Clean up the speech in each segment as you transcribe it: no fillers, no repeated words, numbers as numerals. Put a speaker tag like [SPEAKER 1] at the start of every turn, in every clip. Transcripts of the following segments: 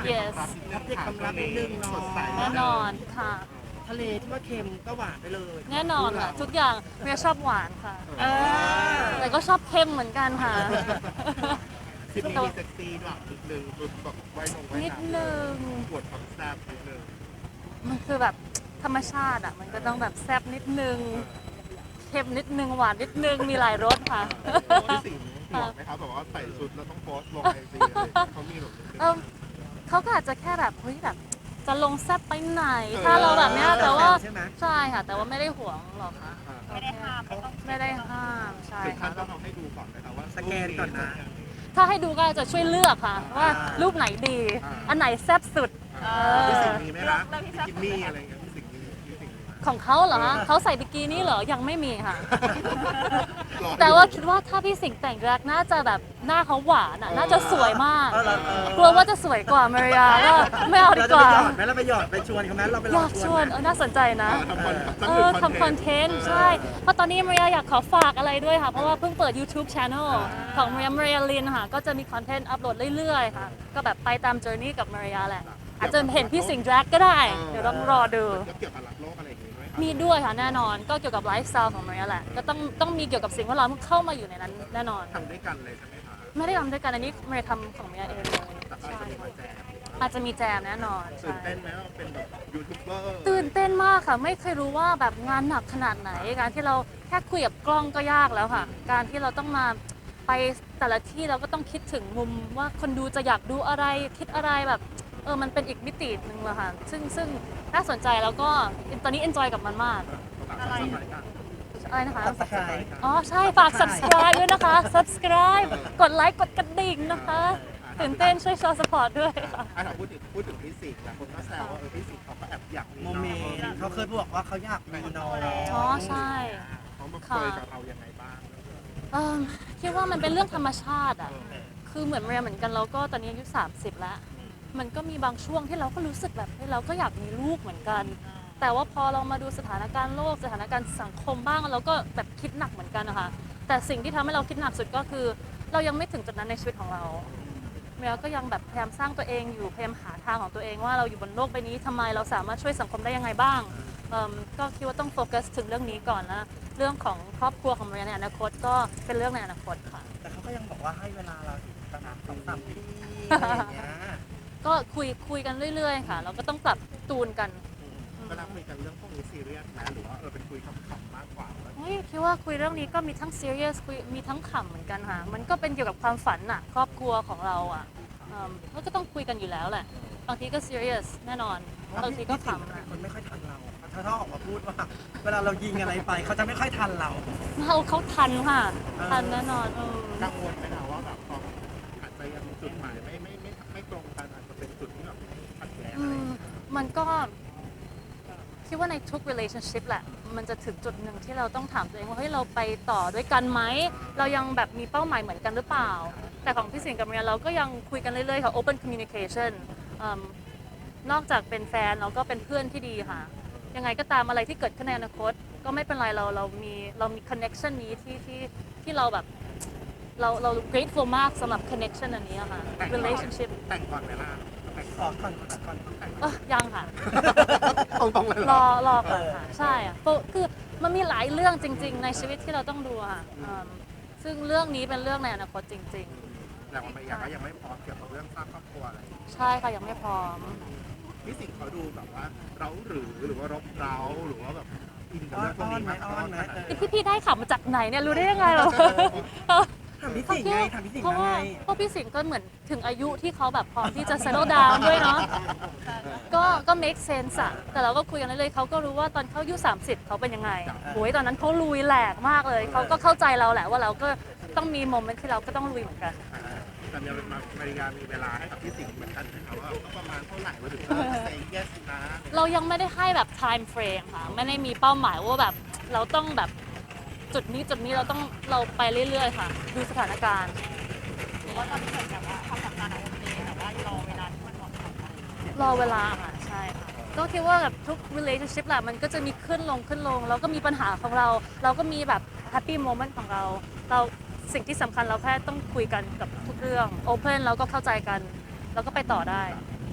[SPEAKER 1] yes
[SPEAKER 2] อัปเดตความรักนิดนึงเนาะ
[SPEAKER 1] แน่นอนค่ะ
[SPEAKER 2] ทะเลที่ว่าเค็มก็หวานไปเลย
[SPEAKER 1] แน่นอนค่ะทุกอย่างเมียชอบหวานค่ะ
[SPEAKER 2] เออ
[SPEAKER 1] แต่ก็ชอบเค็มเหมือนกันค่ะ
[SPEAKER 3] คลิปนี้มีเซ็กซี่ด้วยนิดนึงคือแบบไว้ลงไว้
[SPEAKER 1] นิดนึง
[SPEAKER 3] ปวดความแซ่บนิดนึง
[SPEAKER 1] มันคือแบบธรรมชาติอ่ะมันก็ต้องแบบแซ่บนิดนึงเค็มนิดนึงหวานนิดนึงมีหลายรสค่ะ
[SPEAKER 3] พี่สิงห์ห่วงไหมครับแบบว่าใส่ชุดแล้วต้องโพสต์ลงไอจีเขามีหรอ
[SPEAKER 1] เขาก็อาจจะแค่แบบเฮ้ยแบบจะลงแซ่บไปไหน ถ้าเราแบบเนี้ยแต่ว่า
[SPEAKER 2] ใช่ไหม
[SPEAKER 1] ใช่ค่ะแต่ว่าไม่ได้ห่วงหรอกค่ะ
[SPEAKER 4] ไม่ได้ห้ามไม่ต้อง
[SPEAKER 1] ไม่ได้ห้ามใช่
[SPEAKER 3] ถึงขั้
[SPEAKER 1] ค่ะ
[SPEAKER 3] นต้องเอาให้ดูก่อนนะครับว่า
[SPEAKER 2] สแกนก่อนนะ
[SPEAKER 1] ถ้าให้ดูก็จะช่วยเลือกค่ะ ว่ารูปไหนดี อันไหนแซ่บสุด
[SPEAKER 3] พี่สิงห์มีไหมคะกินนี่อะไรเงี้ยพี่สิงห์มีพี่สิงห์มีไหม
[SPEAKER 1] ของเขาเหรอคะเขาใส่บิกินี่เหรอยังไม่มีค่ะ แต่ว่าคิดว่าถ้าพี่สิงห์แต่งแรกน่าจะแบบหน้าเขาหวานอ่ะน่าจะสวยมาก กลัวว่าจะสวยกว่ามาริยาก็ไม่เอาดี
[SPEAKER 2] เรา
[SPEAKER 1] ก
[SPEAKER 2] จะไป
[SPEAKER 1] ว่า
[SPEAKER 2] หยอดไหมเราไปหยอดไปชวนเขาไหมเราไปลอย
[SPEAKER 1] อาก
[SPEAKER 2] ง
[SPEAKER 1] ชวนน่าสนใจนะ ทำคอนเทนต์ใช่ เพราะตอนนี้มาริยาอยากขอฝากอะไรด้วยค่ะ เพราะว่าเพิ่งเปิด YouTube Channel ของมาริยาลินค่ะ ก็จะมีคอนเทนต์อัปโหลดเรื่อยๆค่ะ ก็แบบไปตาม journey กับมาริยาแหละ อาจจะเห็นพี่สิงห์แดรกก็ได้ เดี๋ยวต้องรอดู
[SPEAKER 3] แล้วเกี่ยวกับรักโลกอะไรอย่างงี้ด้วยครับ
[SPEAKER 1] มีด้วยค่ะแน่นอน ก็เกี่ยวกับไลฟ์สไตล์ของมาริยาแหละ ก็ต้องมีเกี่ยวกับสิ่งแวดล้อมเข้ามาอยู่ในนั้นแน่นอน
[SPEAKER 3] ทำด้วยกันเลยใช่ไหมคะ
[SPEAKER 1] ไม่ได้ทำด้วยกันอันนี้มาริยาทำของมาริยาเองเลย
[SPEAKER 3] แต่ก็
[SPEAKER 1] ใช่
[SPEAKER 3] จะมีมาแจม
[SPEAKER 1] อาจจะมีแจมแน่นอน
[SPEAKER 3] ตื่น
[SPEAKER 1] ใช่
[SPEAKER 3] เต้นไหมว่าเป็นแบบยูทูบเบอร์
[SPEAKER 1] ตื่นเต้นมากค่ะ ไม่เคยรู้ว่าแบบงานหนักขนาดไหน การที่เราแค่คุยกับกล้องก็ยากแล้วค่ะ การที่เราต้องมาไปแต่ละที่เราก็ต้องคิดถึงมุมว่าคนดูจะอยากดูอะไรคิดอะไรแบบมันเป็นอีกมิติหนึ่งเลยค่ะ ซึ่งน่าสนใจแล้วก็ตอนนี้ enjoy กับมันมาก
[SPEAKER 3] อะไร
[SPEAKER 1] อะไรนะคะ
[SPEAKER 2] สกาย
[SPEAKER 1] อ๋อใช่ฝาก subscribe ด้วยนะคะ subscribe กดไลค์กดกระดิ่งนะคะตื่นเต้นช่วยโชว์ support ด้วยค่ะ
[SPEAKER 3] ถ้าพูดถึงพี่สิงห์หลายคนก็แซวว่าพี่สิงห์เขาก็แอบอยากมี
[SPEAKER 2] โมเมนต์เขาเคยบอกว่าเขาอยากมีน้อง
[SPEAKER 1] อ๋อใช่
[SPEAKER 3] เขามาคุยกับเรายังไงบ้าง
[SPEAKER 1] คิดว่ามันเป็นเรื่องธรรมชาติอ่ะ คือเหมือนเรียนเหมือนกันเราก็ตอนนี้อายุ30 แล้ว มันก็มีบางช่วงที่เราก็รู้สึกแบบเฮ้ยเราก็อยากมีลูกเหมือนกัน แต่ว่าพอเรามาดูสถานการณ์โลกสถานการณ์สังคมบ้างเราก็แบบคิดหนักเหมือนกันนะคะ แต่สิ่งที่ทำให้เราคิดหนักสุดก็คือ เรายังไม่ถึงจุดนั้นในชีวิตของเราเมียก็ยังแบบพยายามสร้างตัวเองอยู่พยายามหาทางของตัวเองว่าเราอยู่บนโลกใบนี้ทำไมเราสามารถช่วยสังคมได้ยังไงบ้างก็คิดว่าต้องโฟกัสถึงเรื่องนี้ก่อนนะเรื่องของครอบครัวของเมียในอนาคตก็เป็นเรื่องในอนาคตค่ะ
[SPEAKER 2] แต่เขาก็ยังบอกว่าให้เวลาเราอีกประมาณ2-3 ปีอะไรอย่างเงี้ย
[SPEAKER 1] ก็คุยกันเรื่อยๆค่ะ เราก็ต้องปรับตูนกัน
[SPEAKER 3] เวลาคุยกันเรื่องพวกนี้ซีเรียสไหมหรือว่าเป็นคุยขำๆมากกว่า
[SPEAKER 1] เฮ้ยคิดว่าคุยเรื่องนี้ก็มีทั้ง serious มีทั้งขำเหมือนกันค่ะ มันก็เป็นเกี่ยวกับความฝันน่ะครอบครัวของเราอ่ะก็ต้องคุยกันอยู่แล้วแหละ บางทีก็ serious แน่นอน บางทีก็ขำ
[SPEAKER 2] เป็
[SPEAKER 1] นะ
[SPEAKER 2] นคนไม่ค่อยทันเราถ้าเขาออกมาพูดว่า เวลาเรายิงอะไรไปเขาจะไม่ค่อยทันเรา
[SPEAKER 1] เขาทันค่ะ ทันแน่นอน
[SPEAKER 3] กังวลไหมคะว่าแบบพออาจจะยังจุดหมายไม่ตรงกันอาจจะเป็นจุดที่แบบขัดแย้งอะไร
[SPEAKER 1] มันก็คิดว่าในทุก relationship แหละ มันจะถึงจุดหนึ่งที่เราต้องถามตัวเองว่าเฮ้ยเราไปต่อด้วยกันไหม เรายังแบบมีเป้าหมายเหมือนกันหรือเปล่า แต่ของพี่สิงห์กับเมียเราก็ยังคุยกันเรื่อยๆค่ะ open communication นอกจากเป็นแฟนเราก็เป็นเพื่อนที่ดีค่ะ ยังไงก็ตามอะไรที่เกิดขึ้นในอนาคต ก็ไม่เป็นไรเรามี connection นี้ที่เราแบบเรา grateful มากสำหรับ connection อันนี้อะค่ะ relationship
[SPEAKER 3] แต่งก่อนเวลาแต่ง
[SPEAKER 2] ขอก่อนก่อน
[SPEAKER 1] ยังค่ะ
[SPEAKER 3] ตรงๆเลย
[SPEAKER 1] รอก่อนค่ะ ใช่อะคือมันมีหลายเรื่องจริง ๆ ในชีวิตที่เราต้องดูค่ะซึ่งเรื่องนี้เป็นเรื่องในอนาคตจริง
[SPEAKER 3] แต่ว่าไม่อยากก็ยังไม่พร้อมเกี่ยวกับเรื่องสร้างครอบครัวอะไร
[SPEAKER 1] ๆ ใช่ค่ะยังไม่พร้อม
[SPEAKER 3] พี่สิงห์เขาดูแบบว่าเราหรือว่ารบเร้าหรือว่าแบบอินกับ
[SPEAKER 2] อ้อน
[SPEAKER 3] เรื่องพวก
[SPEAKER 2] อ้อน
[SPEAKER 3] นี้
[SPEAKER 2] ไหม
[SPEAKER 3] มาก
[SPEAKER 2] อ้อนไหม
[SPEAKER 1] พี่ได้ข่าวมาจากไหนเนี่ยรู้ได้ยังไงเหรอ
[SPEAKER 2] ถามพี่สิงห์ไงถามพี่สิงห์
[SPEAKER 1] เพราะ
[SPEAKER 2] มา
[SPEAKER 1] ว่า
[SPEAKER 2] ไง
[SPEAKER 1] เพราะพี่สิงห์ก็เหมือนถึงอายุที่เขาแบบพร้อมที่จะ settle down ด้วยเนาะก็ make sense อะแต่เราก็คุยกันเรื่อยๆเขาก็รู้ว่าตอนเขาอายุ30เขาเป็นยังไงโอ้ยตอนนั้นเขาลุยแหลกมากเลยเขาก็เข้าใจเราแหละว่าเราก็ต้องมีโมเมนต์ที่เราก็ต้องลุยเหมือนกัน
[SPEAKER 3] แต่เนี่ยมาริยามีเวลาให้กับพี่สิงห์เหมือนกันนะครับว่าประมาณเท่าไหร่เราถึงจะ say yes นะ
[SPEAKER 1] เรายังไม่ได้ให้แบบ time frame ค่ะ ไม่ได้มีเป้าหมายว่าแบบเราต้องแบบจุดนี้เราไปเรื่อยๆค่ะ ดูสถานการณ์
[SPEAKER 4] หรือว่าตอนนี้เหมือนแบบว่าความสัมพันธ์โอเคแต่ว่ารอเวลาที่มันเหมาะสม
[SPEAKER 1] รอเวลาค่ะใช่ค่ะก็คิดว่าแบบทุก relationship แหละมันก็จะมีขึ้นลงเราก็มีปัญหาของเรา เราก็มีแบบ happy moment ของเราสิ่งที่สำคัญเราแค่ต้องคุยกันกับทุกเรื่อง open แล้วก็เข้าใจกันแล้วก็ไปต่อได้
[SPEAKER 3] พ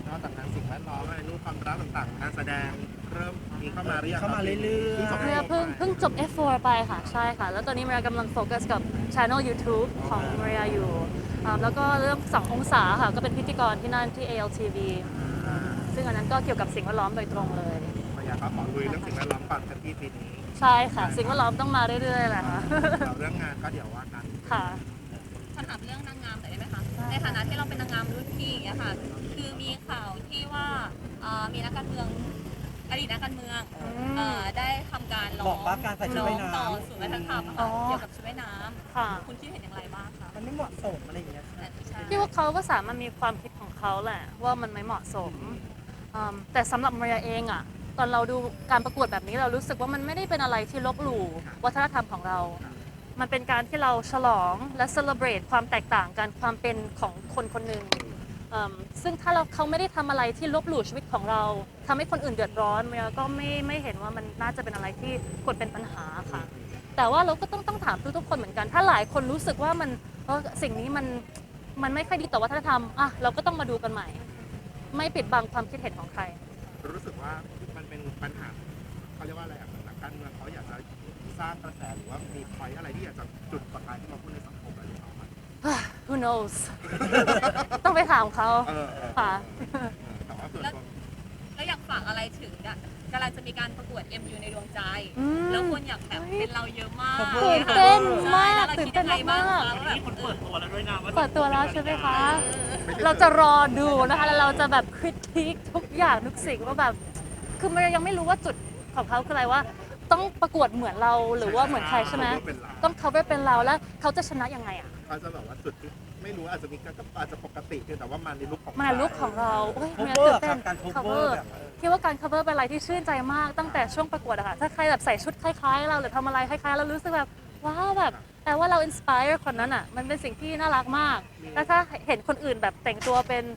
[SPEAKER 3] นอกจากงานสิ่งแวดล้อมอะไรรูปความรักต่างๆการแสดงเริ่มมีเข้ามาหรือยัง
[SPEAKER 2] เข้ามาเรื่อยๆ
[SPEAKER 3] พิ่งจบ
[SPEAKER 1] เพิ่งจบ F4 ไปค่ะ ใช่ค่ะ แล้วตอนนี้เมียกำลังโฟกัสกับ Channel YouTube ของเมียอยู่แล้วก็เรื่อง2องศาค่ะ ก็เป็นพิธีกรที่นั่นที่ ALTV ซึ่งอันนั้นก็เกี่ยวกับสิ่งแวดล้อมโดยตรงเลย
[SPEAKER 3] ภรรยาก็ขอลุยเรื่องสิ่งแวดล้อมก่อนกันที่ปีนี้
[SPEAKER 1] ใช่ค่ะ สิ่งแวดล้อมต้องมาเรื่อยๆแหละค่ะ
[SPEAKER 3] เราเรื่องงานก็เดี๋ยวว่ากัน
[SPEAKER 1] ค่ะ
[SPEAKER 4] ขอถามเรื่องนางงามหน่อยได้ไหมคะ ในฐานะที่เราเป็นนางงามรุ่นพี่อย่างเงี้ยค่ะ คือมีข่าวที่ว่ามีนักการเมืองอดีตนักการเมืองได้ทำการร้
[SPEAKER 2] บ
[SPEAKER 4] อ
[SPEAKER 2] อง กว่าการใส่ชุดว่ายน้ำ
[SPEAKER 4] ต่อศูนย์วัฒนธรรมอะ
[SPEAKER 1] อ๋
[SPEAKER 4] ค่ะ
[SPEAKER 1] อ
[SPEAKER 4] เกี่ยวกับชุดว่ายน้
[SPEAKER 1] ค่ะ
[SPEAKER 4] ำคุณคิดเห็นอย่างไรบ้างคะ
[SPEAKER 2] มันไม่เหมาะสมอะไรอย่างเงี้ยค่ะ
[SPEAKER 4] ใช่
[SPEAKER 1] พี่ว่าเขาก็สามารถมีความคิดของเขาแหละว่ามันไม่เหมาะสมแต่สำหรับเมียเองอะตอนเราดูการประกวดแบบนี้เรารู้สึกว่ามันไม่ได้เป็นอะไรที่ลบหลู่วัฒนธรรมของเรา มันเป็นการที่เราฉลองและเซเลบรตความแตกต่างกันความเป็นของคนคนหนึ่งซึ่งถ้าเขาไม่ได้ทำอะไรที่ลบหลู่ชีวิตของเราทำให้คนอื่นเดือดร้อนเมียก็ไม่เห็นว่ามันน่าจะเป็นอะไรที่ควรเป็นปัญหาค่ะ แต่ว่าเราก็ต้องถามทุกๆคนเหมือนกัน ถ้าหลายคนรู้สึกว่ามันสิ่งนี้มันไม่ค่อยดีต่อวัฒนธรรมอ่ะเราก็ต้องมาดูกันใหม่ ไม่ปิดบังความคิดเห็นของใคร
[SPEAKER 3] รู้สึกว่ามันเป็นปัญหาเขาเรียกว่าอะไรอ่ะนักการเมืองเขาอยากจะสร้างกระแสหรือว่ามีพอยอะไรที่อยากจะจุดประกายที่มาพูดในสังคมอะไรหรือเปล่า
[SPEAKER 1] Who knows ต้องไปถามเขา ค่ะ
[SPEAKER 3] แต่ว่าส่วนตัว
[SPEAKER 4] แล้วอยากฝากอะไรถึงอะกำลังจะมีการประกวด MU ในดวงใจ
[SPEAKER 1] อืม
[SPEAKER 4] แล้วคนอยากแบบเป็นเราเยอะมาก
[SPEAKER 1] ตื่นเต้นมาก
[SPEAKER 4] ใช่
[SPEAKER 1] ตื่นเต้นมาก
[SPEAKER 4] แล้วเราคิดยังไงบ้างคะว่าแบบ
[SPEAKER 2] เปิดตัวแล้วด้วยนะว่า
[SPEAKER 1] เปิดตัวแล้วใช่ไหมคะ เราจะรอดูนะคะ แล้วเราจะแบบคริติคทุกอย่างทุกสิ่งว่าแบบ คือมันยังไม่รู้ว่าจุดของเขาคืออะไรว่า ต้องประกวดเหมือนเราหรือว่าเหมือนใครใช่ไหม ต้อง cover เป็นเราแล้วเขาจะชนะยังไงอ่ะ
[SPEAKER 3] เขาจะแบบว่าจุดที่ไม่รู้อาจจะมีก็อาจจะปกติเพียงแต่ว่ามาในลุคของ
[SPEAKER 1] มาลุกของเราโอ้ย
[SPEAKER 2] โค
[SPEAKER 1] เมีย
[SPEAKER 2] เวอ
[SPEAKER 1] ตื่
[SPEAKER 2] ร์
[SPEAKER 1] นเต้น
[SPEAKER 2] การโคเวอ
[SPEAKER 1] cover
[SPEAKER 2] ร์แบบ
[SPEAKER 1] คิดว่าการ cover เป็นอะไรที่ชื่นใจมากตั้งแต่ช่วงประกวดอะค่ะ ถ้าใครแบบใส่ชุดคล้ายๆเราหรือทำอะไรคล้ายๆเรารู้สึกแบบว้าวแบบแต่ว่าเรา inspire คนนั้นอะมันเป็นสิ่งที่น่ารักมาก แล้วถ้าเห็นคนอื่นแบบแต่งตัวเป็น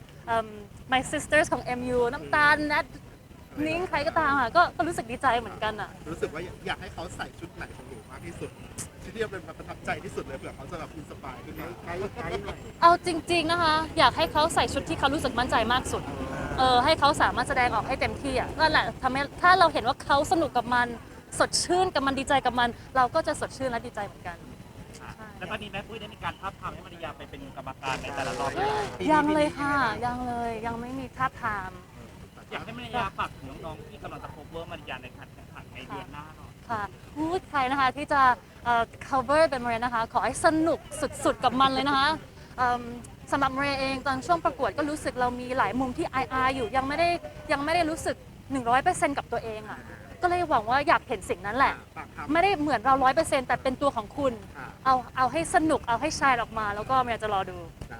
[SPEAKER 1] My Sisters ของ MU น้ำตาลนัทนิ้งใครก็ตามอะก็รู้สึกดีใจเหมือนกันอะ
[SPEAKER 3] รู้สึกว่าอยากให้เขาใส่ชุดไหนของหนูมากที่สุดที่เป็นประทับใจที่สุดเลยเผื่อเขาจะแบบอินสปายขึ้นมาไกด์หน่อย
[SPEAKER 1] เอาจริงๆนะคะ อยากให้เขาใส่ชุดที่เขารู้สึกมั่นใจมากสุด ให้เขาสามารถแสดงออกให้เต็มที่อ่ะนั่นแหละทำให้ถ้าเราเห็นว่าเขาสนุกกับมันสดชื่นกับมันดีใจกับมัน เราก็จะสดชื่นและดีใจเหมือนกัน
[SPEAKER 5] แล้วตอนนี้แม่ปุ้ยได้มีการท้าบทามให้มาริยาไปเป็นกรรมการในแต่ละรอบไหม
[SPEAKER 1] ยังเลยค่ะยังเลยยังไม่มีท่าบทาม
[SPEAKER 5] อยากให้มาริยาฝากถึงน้องๆที่กำลังจะ cover มาริยาในการแข่งขันในเดือนหน้าหน่อย
[SPEAKER 1] ค่ะพูดใครนะคะที่จะcover เป็นมาเรียนะคะ ขอให้สนุกสุดๆกับมันเลยนะคะสำหรับมาเรียเองตอนช่วงประกวดก็รู้สึกเรามีหลายมุมที่อายอยู่ยังไม่ได้รู้สึก 100% กับตัวเองอ่ะก็เลยหวังว่าอยากเห็นสิ่งนั้นแหละ
[SPEAKER 3] ฝากทำ
[SPEAKER 1] ไม่ได้เหมือนเรา 100%แต่เป็นตัวของคุณ เอาให้สนุกเอาให้ชายออกมาแล้วก็เมียจะรอดู